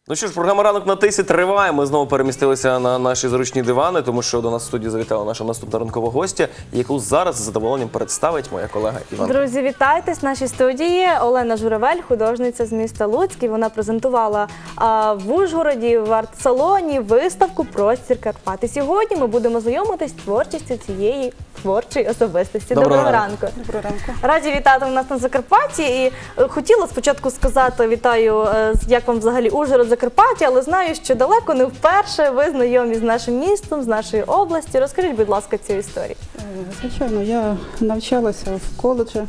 Ну що ж, програма «Ранок на тисі» триває. Ми знову перемістилися на наші зручні дивани, тому що до нас в студії завітала наша наступна ранкова гостя, яку зараз з задоволенням представить моя колега Іванка. Друзі, вітайтесь в нашій студії. Олена Журавель, художниця з міста Луцьк. І вона презентувала в Ужгороді, в арт-салоні виставку «Простір Карпат». І сьогодні ми будемо знайомитись з творчістю цієї творчої особистості. Доброго ранку. Доброго ранку. Раді вітати в нас на Закарпатті. І хотіла спочатку сказати вітаю, як вам взагалі Ужгород, Закарпаття, але знаю, що далеко не вперше ви знайомі з нашим містом, з нашої області. Розкажіть, будь ласка, цю історію. Звичайно, я навчалася в коледжі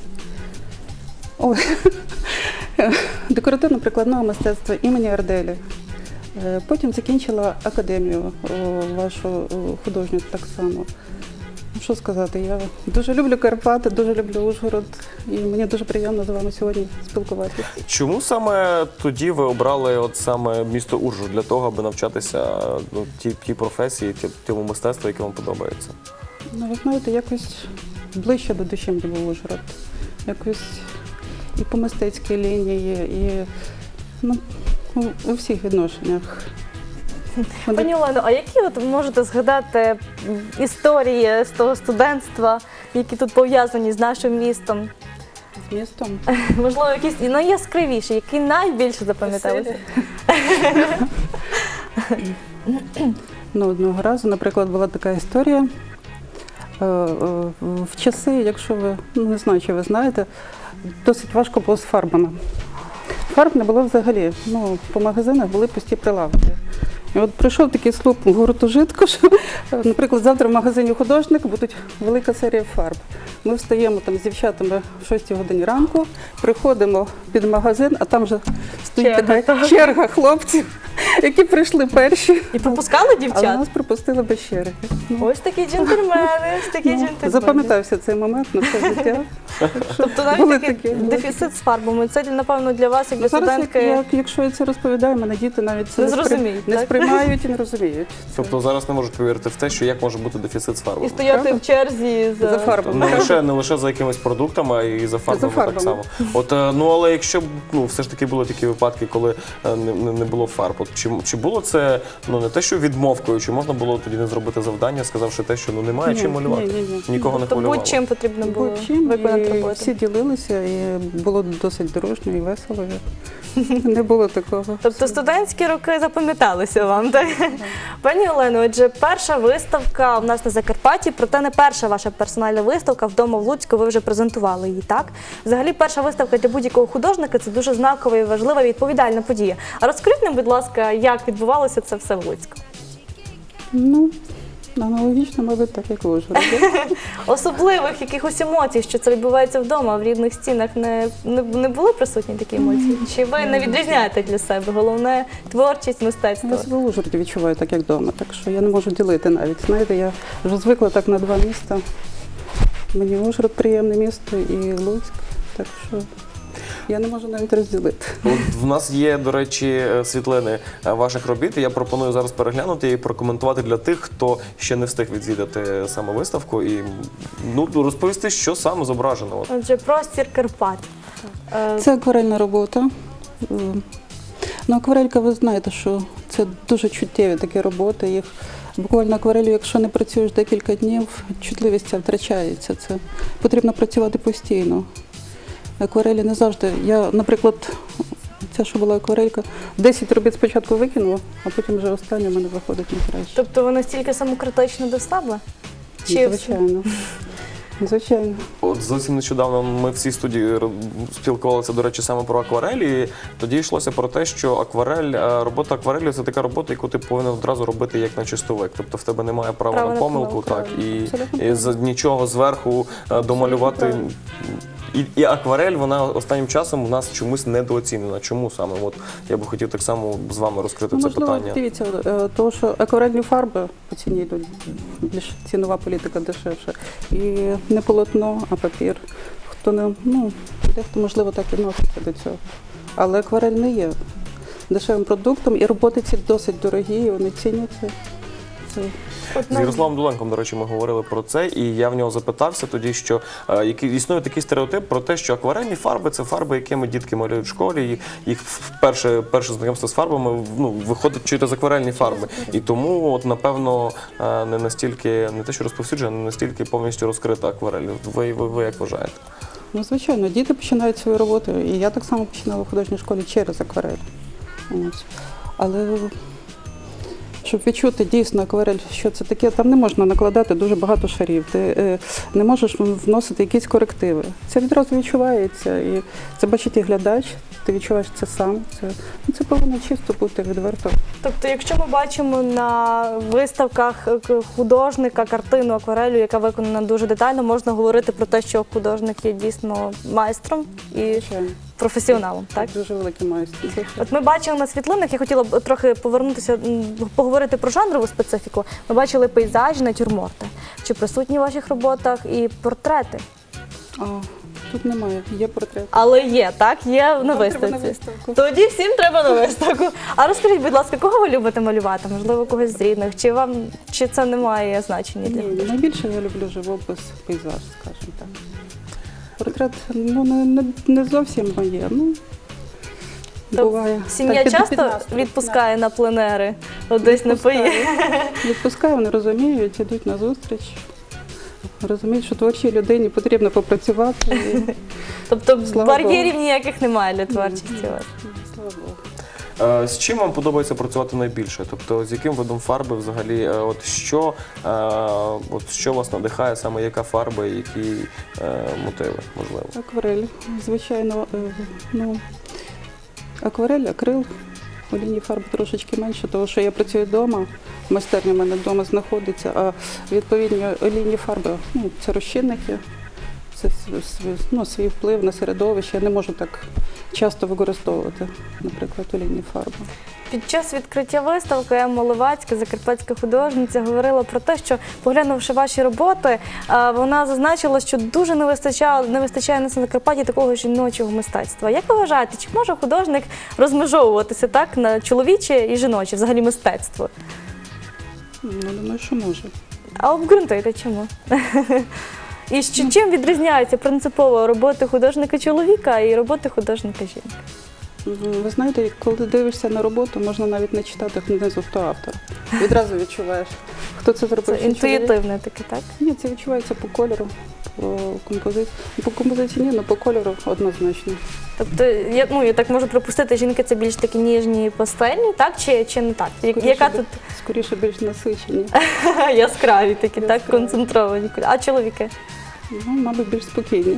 декоративно-прикладного мистецтва імені Арделі. Потім закінчила академію вашу художню так само. Що сказати, я дуже люблю Карпати, дуже люблю Ужгород, і мені дуже приємно з вами сьогодні спілкуватися. Чому саме тоді ви обрали от саме місто Ужгород для того, аби навчатися тій професії, тому мистецтву, яке вам подобається? Ну, ви знаєте, якось ближче до душі мені був Ужгород. Якось і по мистецькій лінії, і у всіх відношеннях. Пані Олено, а які от можете згадати історії з того студентства, які тут пов'язані з нашим містом? З містом? Можливо, якісь найяскравіші, які найбільше запам'яталися? Одного разу, наприклад, була така історія. В часи, якщо ви, не знаю, чи ви знаєте, досить важко було з фарбами. Фарб не було взагалі. По магазинах були пусті прилавки. І от прийшов такий слуп гуртожитку, що, наприклад, завтра в магазині «Художник» буде велика серія фарб. Ми встаємо там з дівчатами в 6 годині ранку, приходимо під магазин, а там вже стоїть така черга хлопців, які прийшли перші. І пропускали дівчат? Але нас пропустили без черги. Ось такі джентльмени, ось такі джентльмени. Запам'ятався цей момент на все життя. Тобто навіть такий дефіцит з фарбами. Це, напевно, для вас, як для студентки... Якщо я це розповідаю, мене діти навіть це не сприймають і не розуміють. Тобто зараз не можуть повірити в те, що як може бути дефіцит з фарбами. І стояти в черзі за фарбами. Не лише за якимись продуктами, а й за фарбами так само. Але якщо все ж таки були такі випадки, коли не було фарб, чи було це не те, що відмовкою, чи можна було тоді не зробити завдання, сказавши те, що немає чим малювати? Нікого не хвилювало? Будь-чим потрібно було виконати роботу. Всі ділилися, і було досить дружньо і весело. Не було такого. Тобто студентські роки запам'яталися вам, так? Пані Олено, отже, перша виставка у нас на Закарпатті, проте не перша ваша персональна виставка вдома в Луцьку, ви вже презентували її, так? Взагалі, перша виставка для будь-якого художника – це дуже знакова і важлива, відповідальна подія. А розкажіть нам, будь ласка, як відбувалося це все в Луцьку? Аналогічно, мабуть, так, як в Ужгороді. Особливих якихось емоцій, що це відбувається вдома, в рідних стінах, не були присутні такі емоції? Чи ви не відрізняєте для себе? Головне – творчість, мистецтво? Я себе в Ужгороді відчуваю так, як вдома, так що я не можу ділити навіть. Знаєте, я вже звикла так на два міста. Мені Ужгород приємне місто і Луцьк, так що я не можу навіть розділити. В нас є, до речі, світлини ваших робіт, і я пропоную зараз переглянути і прокоментувати для тих, хто ще не встиг відвідати саме виставку, і розповісти, що саме зображено. Отже, «Простір Карпат». Це акварельна робота. Акварелька, ви знаєте, що це дуже чуттєві такі роботи. Їх буквально акварелью, якщо не працюєш декілька днів, чутливість ця втрачається. Це потрібно працювати постійно. Акварелі не завжди. Я, наприклад, ця, що була акварелька, 10 робіт спочатку викинула, а потім вже останнє в мене виходить найкраще. Тобто ви настільки самокритично до себе? Звичайно. Звичайно. От зовсім нещодавно ми в цій студії спілкувалися, до речі, саме про акварелі. Тоді йшлося про те, що робота акварелі – це така робота, яку ти повинен одразу робити як на чистовик. Тобто в тебе немає права на помилку, і нічого зверху домалювати. І акварель, вона останнім часом у нас чомусь недооцінена. Чому саме? От я би хотів так само з вами розкрити це питання. Дивіться, тому що акварельні фарби по ціні йдуть, більш цінова політика дешевша. І не полотно, а папір. Дехто, можливо, так відноситься до цього. Але акварель не є дешевим продуктом, і роботи ці досить дорогі, і вони ціняться. Це З Ярославом Дуленком, до речі, ми говорили про це, і я в нього запитався тоді, що існує такий стереотип про те, що акварельні фарби – це фарби, якими дітки малюють в школі, і їх перше знайомство з фарбами виходить через акварельні фарби. І тому, от, напевно, не настільки, не те, що розповсюджена, не настільки повністю розкрита акварель. Ви як вважаєте? Ну, звичайно, діти починають свою роботу, і я так само починала в художній школі через акварель. Ось. Але щоб відчути дійсно акварель, що це таке, там не можна накладати дуже багато шарів, ти не можеш вносити якісь корективи. Це відразу відчувається, і це бачить і глядач, ти відчуваєш це сам. Це повинно чисто бути відверто. Тобто, якщо ми бачимо на виставках художника картину акварелю, яка виконана дуже детально, можна говорити про те, що художник є дійсно майстром і Звичайно. професіоналом, так? Дуже великий майстер. От ми бачили на світлинах, я хотіла б трохи повернутися, поговорити про жанрову специфіку. Ми бачили пейзажі, натюрморти. Чи присутні в ваших роботах і портрети? Тут немає, є портрет. Але є, так? Є на Нам треба виставці. на виставку. Тоді всім треба на виставку. А розкажіть, будь ласка, кого ви любите малювати? Можливо, когось з рідних? Чи це не має значення для Ні, вас? найбільше я люблю живопис, пейзаж, скажімо так. Портрет не зовсім моє, буває. Сім'я Так, часто під настрій. відпускає на пленери? От десь не поїде. Відпускаю, вони розуміють, йдуть на зустріч. Розуміють, що творчій людині потрібно попрацювати. І, Тобто Слава бар'єрів ніяких немає для творчості у вас? слава Богу. З чим вам подобається працювати найбільше? Тобто, з яким видом фарби взагалі, що вас надихає, саме яка фарба і які мотиви, можливо? Акварель, звичайно, акварель, акрил. Олійні фарби трошечки менше, тому що я працюю вдома, майстерня в мене вдома знаходиться, а відповідні олійні фарби, це розчинники, це свій вплив на середовище. Я не можу так часто використовувати, наприклад, олійні фарби. Під час відкриття виставки Емма Ловацька, закарпатська художниця, говорила про те, що, поглянувши ваші роботи, вона зазначила, що дуже не вистачає на Закарпатті такого жіночого мистецтва. Як ви вважаєте, чи може художник розмежовуватися так на чоловіче і жіноче, взагалі мистецтво? Думаю, що може. А обґрунтуйте, чому? І чим відрізняється принципово роботи художника-чоловіка і роботи художника-жінки? Ви знаєте, коли дивишся на роботу, можна навіть не читати внизу, хто автор. Відразу відчуваєш, хто це зробив. Це чи чоловік. інтуїтивне таке, так? Ні, це відчувається по кольору, по композиції. По композиції ні, але по кольору однозначно. Тобто, я так можу припустити, жінки це більш такі ніжні, пастельні, так? Чи не так? Скоріше більш насичені. Яскраві такі, так? Концентровані. А чоловіки? Мабуть, більш спокійні.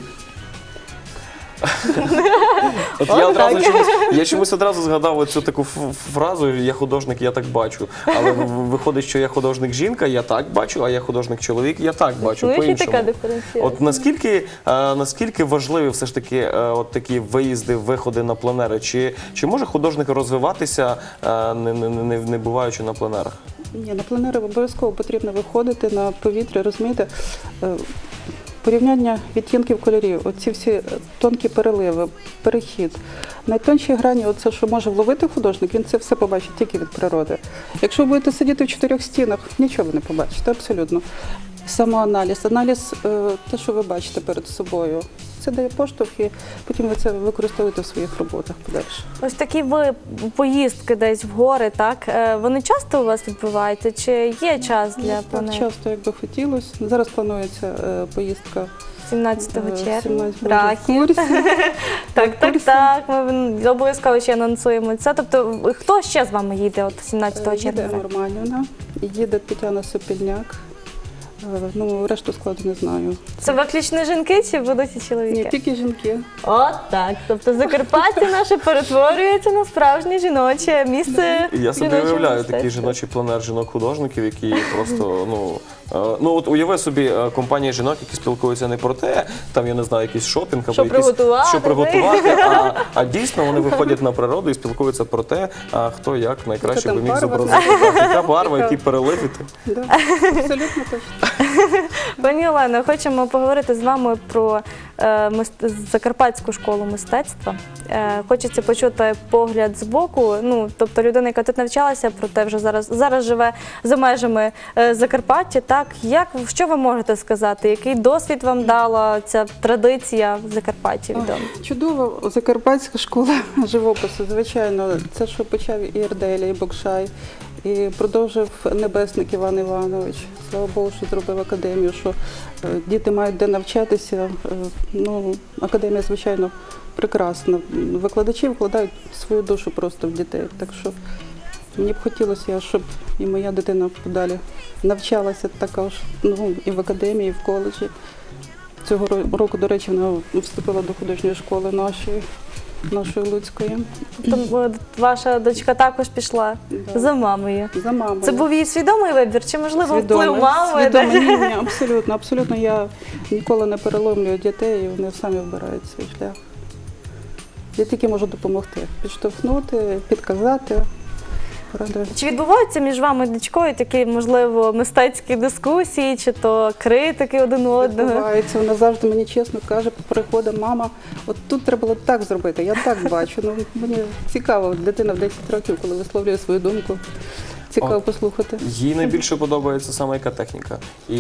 Я чомусь одразу згадав оцю таку фразу «я художник, я так бачу». Але виходить, що я художник-жінка, я так бачу, а я художник-чоловік, я так бачу, Ну, і по-іншому. така диференціація. От наскільки важливі все ж таки от такі виїзди, виходи на пленери? Чи може художник розвиватися, не буваючи на пленерах? Ні, на пленери обов'язково потрібно виходити на повітря, розумієте? Порівняння відтінків кольорів, оці всі тонкі переливи, перехід. Найтонші грані, оце, що може вловити художник, він це все побачить тільки від природи. Якщо ви будете сидіти в чотирьох стінах, нічого ви не побачите, абсолютно. Самоаналіз, аналіз, те, що ви бачите перед собою, це дає поштовх, і потім ви це використовуєте в своїх роботах подальше. Ось такі поїздки десь в гори, так? Вони часто у вас відбуваються? Чи є час для Так пленерів? часто, як би хотілося. Зараз планується поїздка 17 червня. 17 в Рахів. Так. Ми обов'язково ще анонсуємо це. Тобто, хто ще з вами їде от 17 червня? Їде Нормальна, їде Тетяна Сопільняк. Решту складу не знаю. Це виключно жінки чи будуть і чоловіки? Ні, тільки жінки. От так. Тобто Закарпаття наше перетворюється на справжнє жіноче місце. Я собі жіночого уявляю мистецтва. такий жіночий пленер жінок-художників, які просто, от уяви собі компанія жінок, які спілкуються не про те, там, я не знаю, якийсь шопінг або Що приготувати, що приготувати, а дійсно вони виходять на природу і спілкуються про те, хто як найкраще Яка би там міг барва, зобразити. Так, яка барва, які переливи. Да, абсолютно точно. Пані Олено, хочемо поговорити з вами про Закарпатську школу мистецтва. Хочеться почути погляд з боку. Ну, тобто людина, яка тут навчалася, проте вже зараз живе за межами Закарпаття. Так, що ви можете сказати? Який досвід вам дала ця традиція в Закарпатті відома? Чудова закарпатська школа живопису, звичайно. Це, що почав і Ірделя, і Бокшай, і продовжив Небесник Іван Іванович. Слава Богу, що зробив академію, що діти мають де навчатися. Ну, академія, звичайно, прекрасна. Викладачі вкладають свою душу просто в дітей. Так що мені б хотілося, щоб і моя дитина подалі навчалася також, ну, і в академії, і в коледжі. Цього року, до речі, вона вступила до художньої школи нашої Луцької. Тобто ваша дочка також пішла Да. за мамою. За мамою. Це був її свідомий вибір, чи можливо вплив мами? Свідомий. Ні, абсолютно, абсолютно. Я ніколи не переломлюю дітей, і вони самі вибирають свій шлях. Я тільки можу допомогти, підштовхнути, підказати. Правда. Чи відбуваються між вами і дочкою такі, можливо, мистецькі дискусії, чи то критики один одного? Відбувається, вона завжди мені чесно каже, приходить, мама, от тут треба було так зробити, я так бачу. Ну, мені цікаво, дитина в 10 років, коли висловлює свою думку, цікаво послухати. Їй найбільше подобається саме яка техніка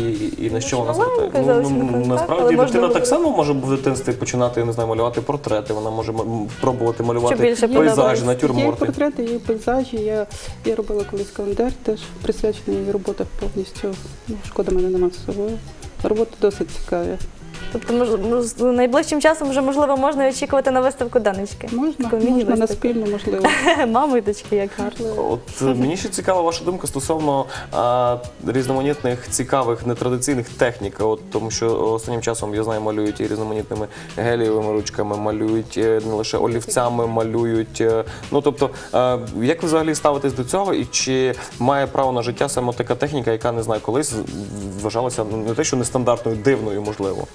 і на що вона маленька звертає. зовсім, так, але Насправді можна дитина було- так само може в дитинстві починати, я не знаю, малювати портрети, вона може пробувати малювати більше пейзажі, подобається. Є натюрморти. портрети, є пейзажі. Я робила колись календар, теж присвячений її роботах повністю. Ну, шкода, мене нема з собою. Роботи досить цікаві. Тобто, найближчим часом вже, можливо, можна очікувати на виставку донечки? Можна, Таку можна на міні-виставку. спільну, можливо. Мами і дочки, як гарно. От мені ще цікава ваша думка стосовно різноманітних цікавих нетрадиційних технік. От тому що останнім часом я знаю, малюють і різноманітними гелієвими ручками, малюють не лише олівцями, малюють. Ну тобто, як ви взагалі ставитесь до цього, і чи має право на життя саме така техніка, яка не знаю, колись вважалася не те, що нестандартною, дивною, можливо.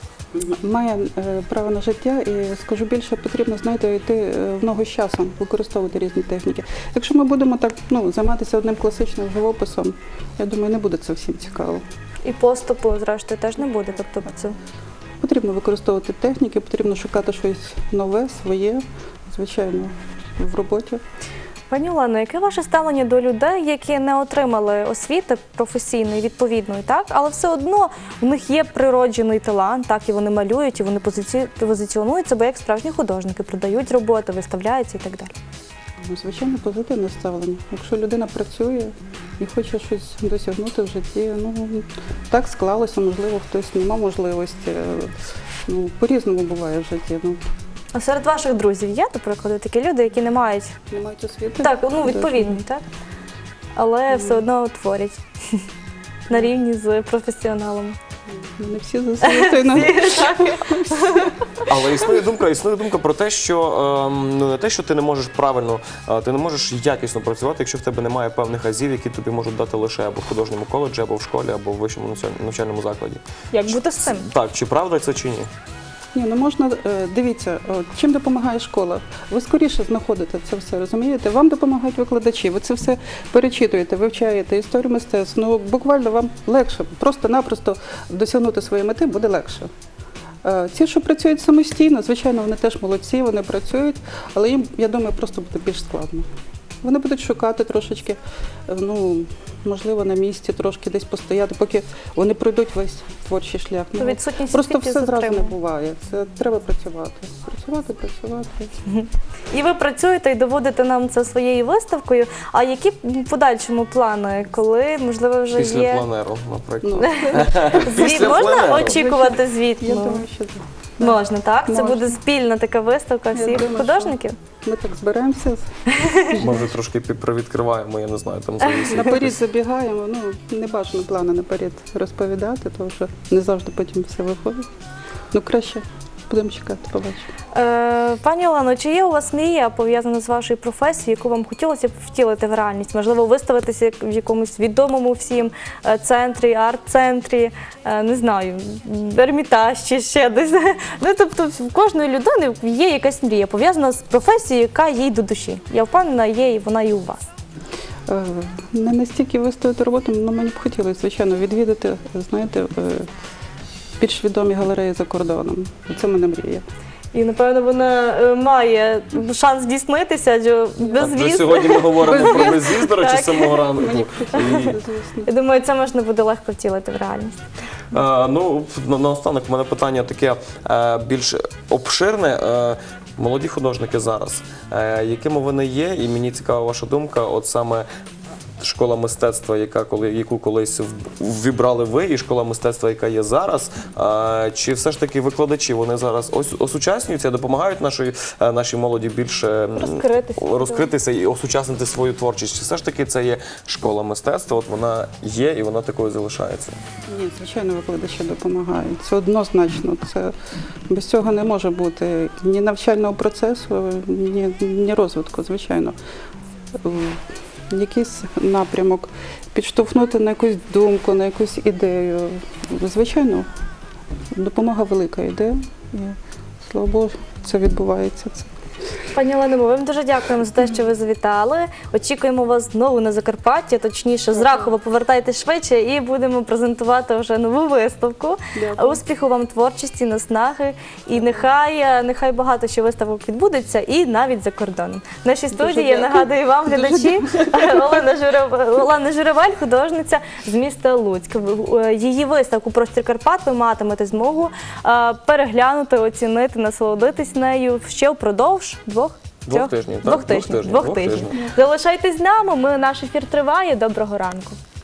Має право на життя і, скажу більше, потрібно, знаєте, йти в ногу з часом, використовувати різні техніки. Якщо ми будемо так, займатися одним класичним живописом, я думаю, не буде це всім цікаво. І поступу, зрештою, теж не буде. Тобто, це Потрібно використовувати техніки, потрібно шукати щось нове, своє, звичайно, в роботі. Пані Олено, яке ваше ставлення до людей, які не отримали освіти професійної, відповідної, так? Але все одно в них є природжений талант, так, і вони малюють, і вони позиціонують себе як справжні художники, продають роботи, виставляються і так далі. Звичайно, позитивне ставлення. Якщо людина працює і хоче щось досягнути в житті, так склалося, можливо, хтось не мав можливості. По-різному буває в житті. А серед ваших друзів є, до прикладу, такі люди, які не мають Не мають освіти? так, відповідні, так? Але все одно творять на рівні з професіоналами. Не всі за освітою. Але існує думка про те, що не те, що ти не можеш правильно, ти не можеш якісно працювати, якщо в тебе немає певних азів, які тобі можуть дати лише або в художньому коледжі, або в школі, або в вищому навчальному закладі. Як бути з цим? Так, чи правда це чи ні? Ні, можна, дивіться, чим допомагає школа? Ви скоріше знаходите це все, розумієте? Вам допомагають викладачі, ви це все перечитуєте, вивчаєте історію мистецтв. Буквально вам легше, просто-напросто досягнути своєї мети буде легше. Ті, що працюють самостійно, звичайно, вони теж молодці, вони працюють, але їм, я думаю, просто буде більш складно. Вони будуть шукати трошечки, можливо, на місці, трошки десь постояти, поки вони пройдуть весь творчий шлях. Відсутність Просто освіти все зразу не затримує. буває. Це треба працювати. Працювати. І ви працюєте і доводите нам це своєю виставкою. А які в подальшому плани, коли, можливо, вже Після є планеру, наприклад. звіт? Після Можна пленеру. очікувати звіт? Я думаю, що так. Можна, так? Це Можна. буде спільна така виставка Я всіх думаю, художників? Ми так зберемося, Ми вже трошки привідкриваємо, я не знаю, там завісить. наперед забігаємо. Не бажано плани наперед розповідати, тому що не завжди потім все виходить. Краще будемо чекати, побачимо. Пані Олено, чи є у вас мрія, пов'язана з вашою професією, яку вам хотілося б втілити в реальність? Можливо, виставитися в якомусь відомому всім центрі, арт-центрі, не знаю, Ермітаж чи ще десь. Тобто в кожної людини є якась мрія, пов'язана з професією, яка їй до душі. Я впевнена, є і вона і у вас. Не настільки виставити роботу, але мені б хотілося, звичайно, відвідати, знаєте, більш відомі галереї за кордоном. Це в мене мрія. І, напевно, вона має шанс здійснитися, адже Вже безвіз. сьогодні ми говоримо про безвіз, до речі, Так. з самого ранку. І, Звісно. Я думаю, це можна буде легко втілити в реальність. ну, наостанок в мене питання таке більш обширне. Молоді художники зараз, якими вони є, і мені цікава ваша думка, от саме школа мистецтва, яку колись ввібрали ви, і школа мистецтва, яка є зараз, чи все ж таки викладачі, вони зараз осучаснюються, допомагають нашій молоді більше розкритися і осучаснити свою творчість? Чи все ж таки це є школа мистецтва, от вона є і вона такою залишається? Ні, звичайно, викладачі допомагають. Це однозначно. Це без цього не може бути ні навчального процесу, ні розвитку, звичайно. Якийсь напрямок, підштовхнути на якусь думку, на якусь ідею. Звичайно, допомога велика йде. І, слава Богу, це відбувається. Пані Олено, ми вам дуже дякуємо за те, що ви завітали. Очікуємо вас знову на Закарпатті, точніше, з Рахова повертайтесь швидше і будемо презентувати вже нову виставку. Дякую. Успіху вам творчості, наснаги. І нехай багато що виставок відбудеться, і навіть за кордоном. В нашій студії, я дякую. нагадую вам, глядачі, Олена Журавель, художниця з міста Луцьк. Її виставку «Простір Карпат» ви матимете змогу переглянути, оцінити, насолодитись нею ще впродовж Двох тижнів. Залишайтесь з нами, наш ефір триває. Доброго ранку.